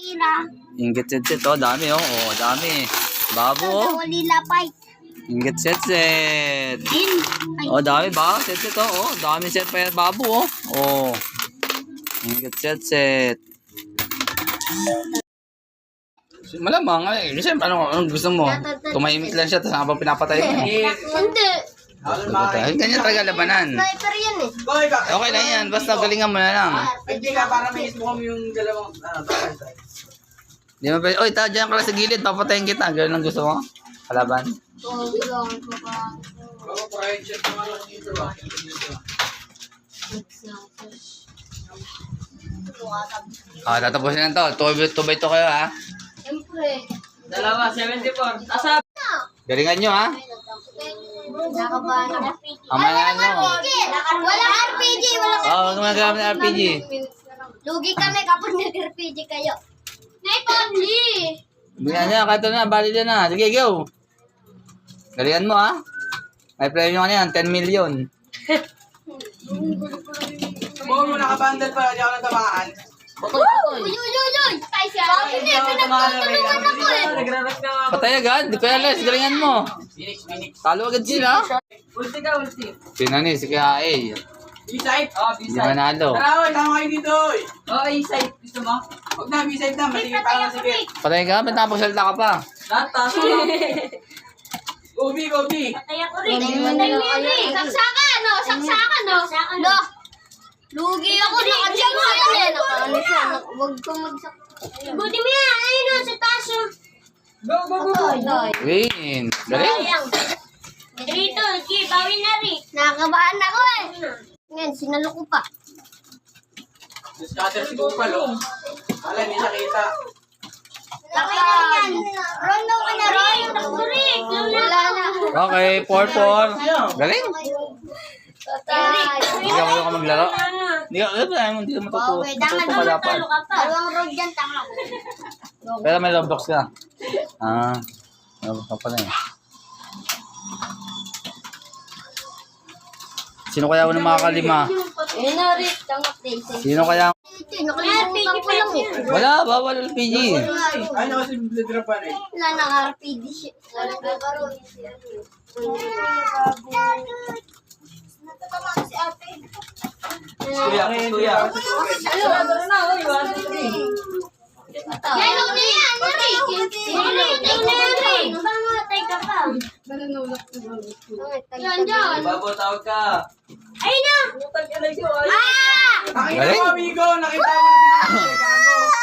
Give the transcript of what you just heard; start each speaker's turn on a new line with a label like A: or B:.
A: Inggit set. Oh, dami oh. Oh, dami. Babo oh. Inggit set. Oh, dami ba? Set oh. Oh, dami set pa yan. Babo oh. Oh. Inggit set. Malamang eh. Siyempre, anong gusto mo? Tumahimik lang siya, tapos habang pinapatay mo.
B: Hindi.
A: Ganyan talaga labanan.
B: Sniper yan eh.
A: Okay lang yan, basta galingan mo na lang.
C: Hindi ka, para may mo kami yung dalawang,
A: Di mo pwede, oy, dyan ka lang sa gilid, papatayin kita. Ganun ang gusto mo? Kalaban? Tatapusin na to. 2x2 kayo ha.
B: Siyempre.
C: Dalawa, 74. Asap!
A: Galingan nyo ha.
B: Nakabahan ako.
A: Amayan mo.
B: Walang RPG.
A: Oo, gumagamit ng RPG.
B: Lugi kami kapag nag-RPG kayo. Night only.
A: Bigyan niya, kato na, bali na na. Sige, go. Galingan mo ha. May premium ka na yan, 10 million.
C: Buo mo nakabandal pa, hindi ako natamaan.
B: Uy! Sabi niya, pinagtutulungan ako eh.
C: Nagraras ka nga.
A: Patay agad, di kaya les, galingan mo.
C: Phoenix.
A: Talo agad sila.
C: Ulti ka, ulti.
A: Pinani, si Kaya A.
C: B-side? Oo,
A: Hindi
C: B-side.
A: manalo.
C: Tara, oy, tama kayo dito, oy. Oo, A-side. Gusto mo? Huwag na, B-side na. Matigil pa lang, sige.
A: Patay ka, ba't napagsalita ka pa?
C: Lahat, Gobi.
B: Patay ako rin. Saksakan, no? Saksakan, no? No. Lugi ako, nakadyan ko yan eh. Nakaalis siya. Huwag kang magsak. Buti mo yan. Ayun no, sa taso.
C: Go.
A: Win. Galing.
B: Rito, bawi na rin. Nakakabahan ako eh. Ngayon, sinalo ko pa.
C: Scatter si Gopal, oh. Wala, hindi nakita.
B: Rondo ka na rin. Wala na.
A: Okay, 4-4. Galing. Hindi ka maglaro. Hindi ka matuto. Matuto ka dapat.
B: Dalawang road dyan, tama ko.
A: Pero may Roblox ka. Roblox ka pala eh. Sino kaya unang makakalima?
B: Ayun na rin, tangap din.
A: Sino kaya?
B: Nakalimutan ko lang eh.
A: Wala, bawal LPG.
C: Ay, kasi bladrapan eh.
B: Wala nang RPG shit. Wala ka pa rin. Natatamaan si ate.
C: Kuya. Tara na, oy. 1, 2, 3.
B: Yan, huwag na yan, Nari. Hinulutay na yan, Nari. Bangatay ka pa. Yan, dyan.
C: Babo, tawag ka.
B: Ayun na.
C: Utag ka lang yun, ay.
B: Ah!
C: Nakita mo, amigo. Nakita mo na si Gago.